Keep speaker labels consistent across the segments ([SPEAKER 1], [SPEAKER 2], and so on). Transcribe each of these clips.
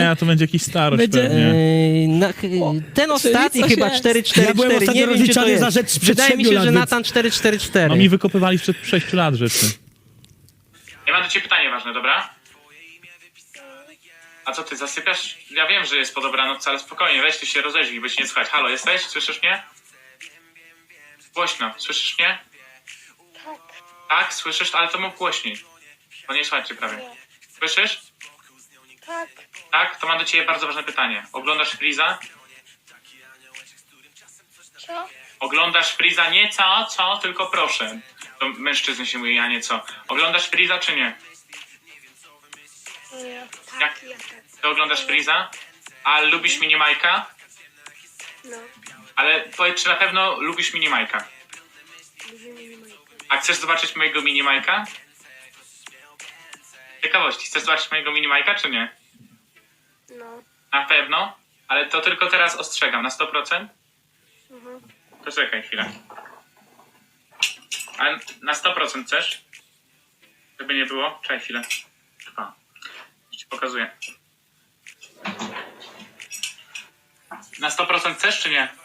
[SPEAKER 1] Nie, a to będzie jakiś starość
[SPEAKER 2] Będzie-
[SPEAKER 1] pewnie.
[SPEAKER 3] Ten ostatni
[SPEAKER 2] coś
[SPEAKER 3] chyba
[SPEAKER 2] jest.
[SPEAKER 3] 444,
[SPEAKER 2] Ja byłem ostatnio
[SPEAKER 3] nie wiem, gdzie to
[SPEAKER 2] rozliczany za
[SPEAKER 3] jest.
[SPEAKER 2] rzecz sprzed
[SPEAKER 3] Wydaje mi
[SPEAKER 2] 7
[SPEAKER 3] się,
[SPEAKER 2] lat,
[SPEAKER 3] że
[SPEAKER 2] więc-
[SPEAKER 3] Natan 444.
[SPEAKER 1] No mi wykopywali sprzed 6 lat rzeczy.
[SPEAKER 4] Ja mam do ciebie pytanie ważne, dobra? A co ty, zasypiasz? Ja wiem, że jest po dobranoc, ale spokojnie, weź ty się rozejrzyj, bo cię nie słychać. Halo, jesteś? Słyszysz mnie? Głośno, słyszysz mnie?
[SPEAKER 5] Tak.
[SPEAKER 4] Tak, słyszysz, ale to mów głośniej. Bo nie słychać cię prawie. Słyszysz?
[SPEAKER 5] Tak.
[SPEAKER 4] Tak? To mam do ciebie bardzo ważne pytanie. Oglądasz Freeza?
[SPEAKER 5] Co?
[SPEAKER 4] Oglądasz Freeza nie co, tylko proszę. To mężczyzny się mówi, a nie co. Oglądasz Freeza czy nie?
[SPEAKER 5] Nie.
[SPEAKER 4] Jak?
[SPEAKER 5] Tak, ja tak.
[SPEAKER 4] Ty oglądasz Freeza? A lubisz Minimajka?
[SPEAKER 5] No.
[SPEAKER 4] Ale powiedz, czy na pewno lubisz Minimajka? A chcesz zobaczyć mojego Minimajka? Ciekawości, chcesz zobaczyć mojego Minimajka, czy nie?
[SPEAKER 5] No.
[SPEAKER 4] Na pewno? Ale to tylko teraz ostrzegam, na 100%?
[SPEAKER 5] Mhm.
[SPEAKER 4] To czekaj chwilę. A na 100% chcesz? Żeby nie było? Czekaj chwilę. O, już ci pokazuję. Na 100% chcesz, czy nie?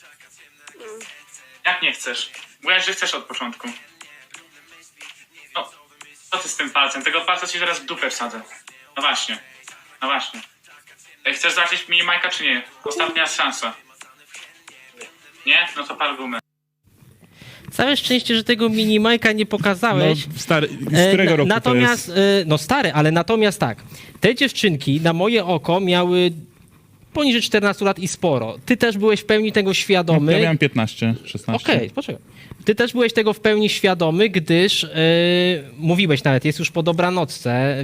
[SPEAKER 4] Jak nie chcesz? Mówiłaś, że chcesz od początku. No, co ty z tym palcem? Tego palca ci zaraz w dupę wsadzę. No właśnie. No właśnie. Ej, chcesz zobaczyć Minimajka, czy nie? Ostatnia szansa. Nie? No to pal gumę.
[SPEAKER 3] Całe szczęście, że tego minimajka nie
[SPEAKER 1] No,
[SPEAKER 3] pokazałeś.
[SPEAKER 1] stary, z którego roku
[SPEAKER 3] Natomiast,
[SPEAKER 1] to jest?
[SPEAKER 3] no stary, ale natomiast tak, te dziewczynki na moje oko miały poniżej 14 lat i sporo. Ty też byłeś w pełni tego świadomy.
[SPEAKER 1] Ja miałem 15, 16.
[SPEAKER 3] Okej, poczekaj. Ty też byłeś tego w pełni świadomy, gdyż mówiłeś nawet, jest już po dobranocce,